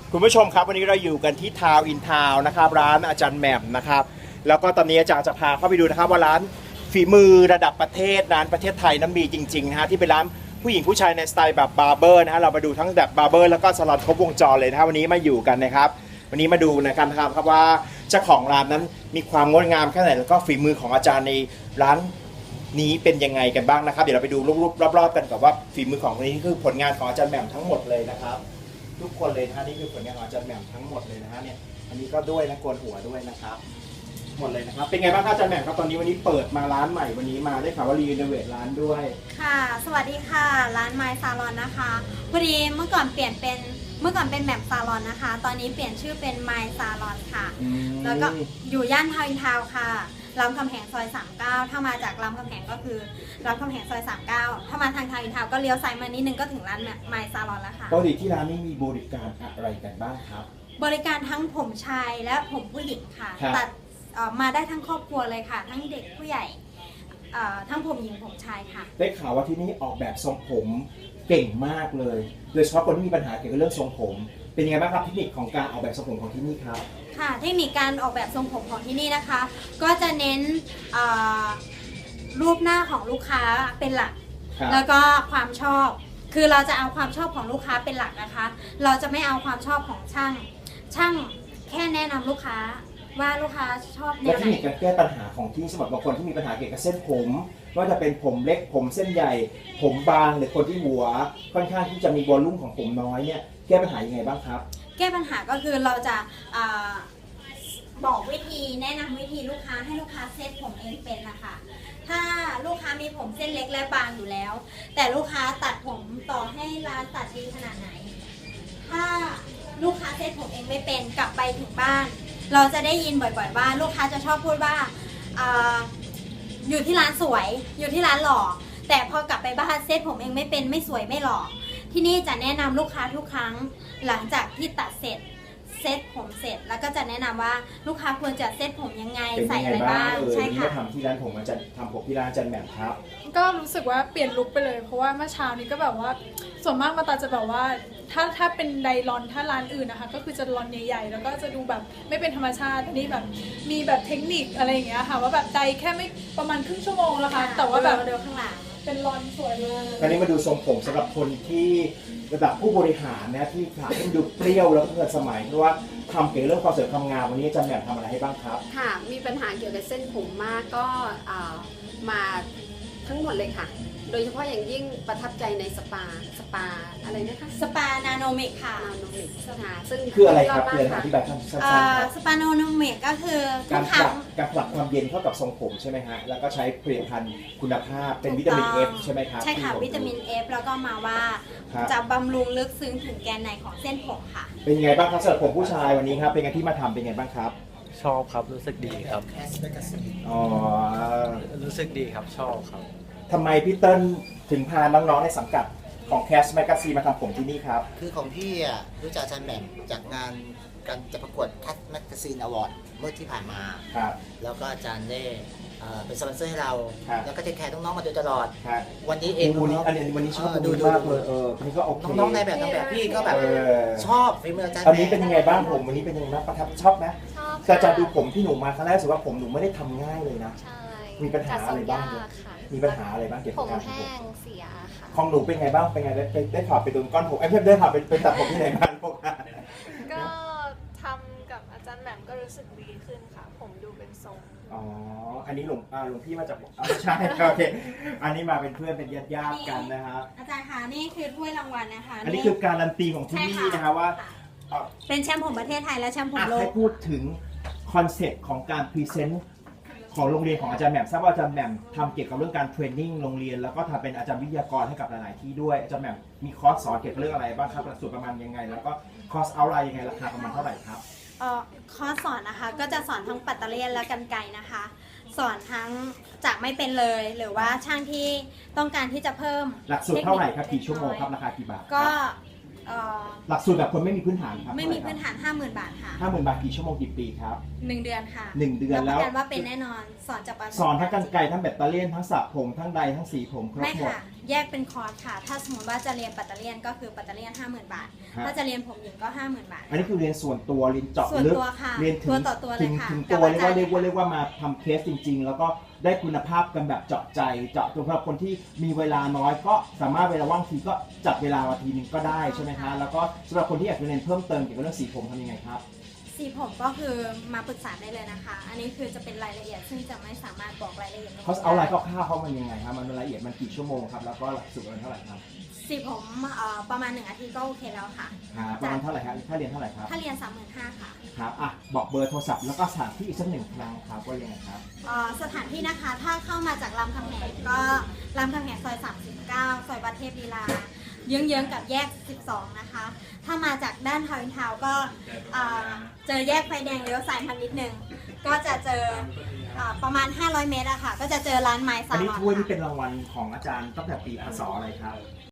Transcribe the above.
คุณผู้ชมครับวันนี้เราอยู่กันที่ทาวน์อินทาวน์นะครับร้านอาจารย์แหม่มนะครับแล้วก็ตอนนี้อาจารย์จะพาเข้าไปดูนะครับว่าร้านฝีมือระดับประเทศร้านประเทศไทยนั้นมีจริงๆนะฮะที่เป็นร้านผู้หญิงผู้ชายในสไตล์แบบบาร์เบอร์นะฮะเรามาดูทั้งแบบบาร์เบอร์แล้วก็ซาลอนครบวงจรเลยนะฮะวันนี้มาอยู่กันนะครับวันนี้มาดูนะครับว่าเจ้าของร้านนั้นมีความงดงามแค่ไหนแล้วก็ฝีมือของอาจารย์ในร้านนี้เป็นยังไงกันบ้างนะครับเดี๋ยวเราไปดูรูปๆรอบๆกันกับว่าฝีมือของคนนี้คือผลงานของอาจารย์แหม่มทั้งหมดเลยนะครับทุกคนเลยนะฮะนี่คือผลงานของอาจารย์แหม่มทั้งหมดเลยนะฮะเนี่ยอันนี้ก็ด้วยนะโกนหัวด้วยนะครับหมดเลยนะครับเป็นไงบ้างครับอาจารย์แหม่มครับตอนนี้วันนี้เปิดมาร้านใหม่วันนี้มาได้ข่าวว่ารีโนเวทร้านด้วยค่ะสวัสดีค่ะร้านไมซ์ซาลอนนะคะพอดีเมื่อก่อนเป็นแหม่มซาลอนนะคะตอนนี้เปลี่ยนชื่อเป็นไมซ์ซาลอนค่ะแล้วก็อยู่ย่านทาวน์อินทาวน์ค่ะรามคำแหงซอย39ถ้ามาจากรามคำแหงก็คือรามคำแหงซอย39ถ้ามาทางทาวน์อินทาวน์ก็เลี้ยวซ้ายมานิดนึงก็ถึงร้านไมซ์ซาลอนแล้วค่ะปกติที่ร้านนี้มีบริการอะไรกันบ้างครับบริการทั้งผมชายและผมผู้หญิงค่ะตัดมาได้ทั้งครอบครัวเลยค่ะทั้งเด็กผู้ใหญ่ทั้งผมหญิงผมชายค่ะได้ข่าวว่าที่นี่ออกแบบทรงผมเก่งมากเลยโดยเฉพาะคนที่มีปัญหาเกี่ยวกับเรื่องทรงผมเป็นยังไงบ้างครับเทคนิคของการออกแบบทรงผมของที่นี่ครับค่ะเทคนิคการออกแบบทรงผมของที่นี่นะคะก็จะเน้นรูปหน้าของลูกค้าเป็นหลักแล้วก็ความชอบคือเราจะเอาความชอบของลูกค้าเป็นหลักนะคะเราจะไม่เอาความชอบของช่างแค่แนะนำลูกค้าว่าลูกค้าชอบแนวไหนและเทคนิคการแก้ปัญหาของที่สำหรับบางคนที่มีปัญหาเกี่ยวกับเส้นผมว่าจะเป็นผมเล็กผมเส้นใหญ่ผมบางหรือคนที่หัวค่อนข้างที่จะมีวอลลุ่มของผมน้อยเนี่ยแก้ปัญหายังไงบ้างครับแก้ปัญหาก็คือเราจะบอกวิธีแนะนำวิธีลูกค้าให้ลูกค้าเซตผมเองเป็นนะคะถ้าลูกค้ามีผมเส้นเล็กและบางอยู่แล้วแต่ลูกค้าตัดผมต่อให้ร้านตัดดีขนาดไหนถ้าลูกค้าเซตผมเองไม่เป็นกลับไปถึงบ้านเราจะได้ยินบ่อยๆว่าลูกค้าจะชอบพูดว่าอยู่ที่ร้านสวยอยู่ที่ร้านหล่อแต่พอกลับไปบ้านเซตผมเองไม่เป็นไม่สวยไม่หล่อที่นี่จะแนะนำลูกค้าทุกครั้งหลังจากที่ตัดเสร็จเซตผมเสร็จแล้วก็จะแนะนำว่าลูกค้าควรจะเซตผมยังไงใส่อะไรบ้างใช่ค่ะทำที่ร้านผมอาจารย์ทำผมที่ร้านอาจารย์แหม่มครับก็รู้สึกว่าเปลี่ยนลุคไปเลยเพราะว่าเมื่อเช้านี้ก็แบบว่าส่วนมากมาตาจะแบบว่าถ้าเป็นไดรอนถ้าร้านอื่นนะคะก็คือจะรอนใหญ่ๆแล้วก็จะดูแบบไม่เป็นธรรมชาตินี่แบบมีแบบเทคนิคอะไรอย่างเงี้ยค่ะว่าแบบไดแค่ไม่ประมาณครึ่งชั่วโมงแล้วค่ะแต่ว่าแบบเดินข้างหลังเป็นรอนสวยเลยคราวนี้มาดูทรงผมสำหรับคนที่ระดับผู้บริหารนะที่ขาให้ดูเปรี้ยวแล้วก็ทันสมัยเพราะว่าทำเกี่ยวกับเรื่องความสวยความงามวันนี้อาจารย์แหม่มทำอะไรให้บ้างครับค่ะมีปัญหาเกี่ยวกับเส้นผมมากก็มาทั้งหมดเลยค่ะโดยเฉพาะอย่างยิ่งประทับใจในสปาอะไรนะคะสปานาโนเมกค่ะนาโนมิกค่ะซึ่งคืออะไรครับคืออธิบายสั้นๆครับสปานาโนเมกก็คือการผลักความเย็นเข้ากับทรงผมใช่ไหมฮะแล้วก็ใช้ผลิตภัณฑ์คุณภาพเป็นวิตามิน F ใช่ไหมครับใช่ค่ะวิตามิน F แล้วก็มาว่าจะบำรุงลึกซึ้งถึงแกนในของเส้นผมค่ะเป็นไงบ้างครับสำหรับผมผู้ชายวันนี้ครับเป็นไงที่มาทำเป็นไงบ้างครับชอบครับรู้สึกดีครับอ๋อรู้สึกดีครับชอบครับทำไมพี่เติ้ลถึงพาน้องๆในสังกัดของแคสแมกกาซีนมาทำผมที่นี่ครับคือของพี่อ่ะรู้จักอาจารย์แหม่มจากงานการจะประกวดแคสแมกกาซีนอวอร์ดเมื่อที่ผ่านมาครับแล้วก็อาจารย์ได้เป็นสปอนเซอร์ให้เราแล้วก็เทคแคร์น้องๆมาโดยตลอดครับวันนี้เองวันนี้ชอบดูมากเลยนี่ก็โอเคน้องๆในแบบพี่ก็แบบชอบฝีมืออาจารย์อันนี้เป็นยังไงบ้างผมวันนี้เป็นยังไงบ้างประทับชอบไหมแต่อาจารย์ดูผมที่หนูมาครั้งแรกรู้สึกว่าผมหนูไม่ได้ทำง่ายเลยนะมีปัญหาอะไรบ้างมีปัญหาอะไรบ้างเกี่ยวกับการผมแห้งเสียค่ะของหนูเป็นไงบ้างเป็นไงได้ถอดไปโดนก้อนผมได้ถอดไปตัดผมที่ไหนบ้างพวกก็ทำกับอาจารย์แหม่มก็รู้สึกดีขึ้นค่ะผมดูเป็นทรงอ๋ออันนี้หลวงพี่มาจากใช่โอเคอันนี้มาเป็นเพื่อนเป็นญาติกันนะครับอาจารย์คะนี่คือถ้วยรางวัลนะคะอันนี้คือการันตีของที่นี่นะคะว่าเป็นแชมป์ผมประเทศไทยและแชมป์ผมโลกให้พูดถึงคอนเซ็ปต์ของการพรีเซนต์ของโรงเรียนของอาจารย์แหม่มทราบว่าอาจารย์แหม่มทำเกี่ยวกับเรื่องการเทรนนิ่งโรงเรียนแล้วก็ทำเป็นอาจารย์วิทยากรให้กับหลายๆที่ด้วยอาจารย์แหม่มมีคอร์สสอนเกี่ยวกับเรื่องอะไรบ้างครับหลักสูตรประมาณยังไงแล้วก็คอร์สเอาท์ไลน์ยังไงราคาประมาณเท่าไหร่ครับคอร์สสอนนะคะก็จะสอนทั้งปัตเตอร์เลียนและกรรไกรนะคะสอนทั้งจากไม่เป็นเลยหรือว่าช่างที่ต้องการที่จะเพิ่มหลักสูตรเท่าไหร่ครับกี่ชั่วโมงครับราคากี่บาทก็หลักสูตรแบบคนไม่มีพื้นฐานครับไม่มีพื้นฐาน 50,000 บาทค่ะ 50,000 บาทกี่ชั่วโมงกี่ปีครับ 1 เดือนค่ะ 1 เดือนปแล้วระกันว่าเป็นแน่นอนสอนจากประสอนทั้งกรรไกรทั้งแบตเตอรี่ทั้งสระผมทั้งใดทั้งสีผมครบไม่หมดค่ะ แยกเป็นคอร์สค่ะ ถ้าสมมติว่าจะเรียนปัตเตอร์เลียนก็คือปัตเตอร์เลียน 50,000 บาทฮะถ้าจะเรียนผมหญิงก็ 50,000 บาทอันนี้คือเรียนส่วนตัวเรียนเจาะส่วนลึกตัวค่ะเรียนถึตัวงต่อตัวเลยถึงค่ะถึงกับตัวเรียกว่าอาจารย์เรียกว่ามาทำเคสจริง ๆ แล้วก็ได้คุณภาพกันแบบเจาะใจเจาะตัวสำหรับคนที่มีเวลาน้อยก็สามารถเวลาว่างทีก็จัดเวลามาทีนึงก็ได้ใช่ไหมคะแล้วก็สำหรับคนที่อยากจะเรียนเพิ่มเติมเกี่ยวกับเรื่องสีผมทำยังไงครับสีผมก็คือมาปรึกษาได้เลยนะคะ อันนี้คือจะเป็นรายละเอียดซึ่งจะไม่สามารถบอกรายละเอียดตรงนี้เขาเอารายคได้ร่าวๆเขามันยังไงครับมันรายละเอียดมันกี่ชั่วโมงครับแล้วก็หลักสูตรมันเท่าไหร่ครับสีผมประมาณ1 อาทิตย์ก็โอเคแล้วค่ะประมาณเท่าไหร่ครับถ้าเรียนเท่าไหร่ครับถ้าเรียน 35,000 ค่ะครับอ่ะบอกเบอร์โทรศัพท์แล้วก็สถานที่อีกสักหนึ่งครั้งครับว่ายังไงครับสถานที่นะคะถ้าเข้ามาจากรามคำแหงก็รามคำแหงซอย 39 ซอยวัดเทพลีลาเยื้องๆกับแยก 12 นะคะ ถ้ามาจากด้านทาวน์อินทาวน์ก็เจอแยกไฟแดงเลี้ยวซ้ายมานิดนึง ก็จะเจอประมาณ 500 เมตรอะค่ะ ก็จะเจอร้านไม้อัซาน ลนี้อนถ้วยนี่ค่ะเป็นรางวัลของอาจารย์ตั้งแต่ปีพศอะไรครับ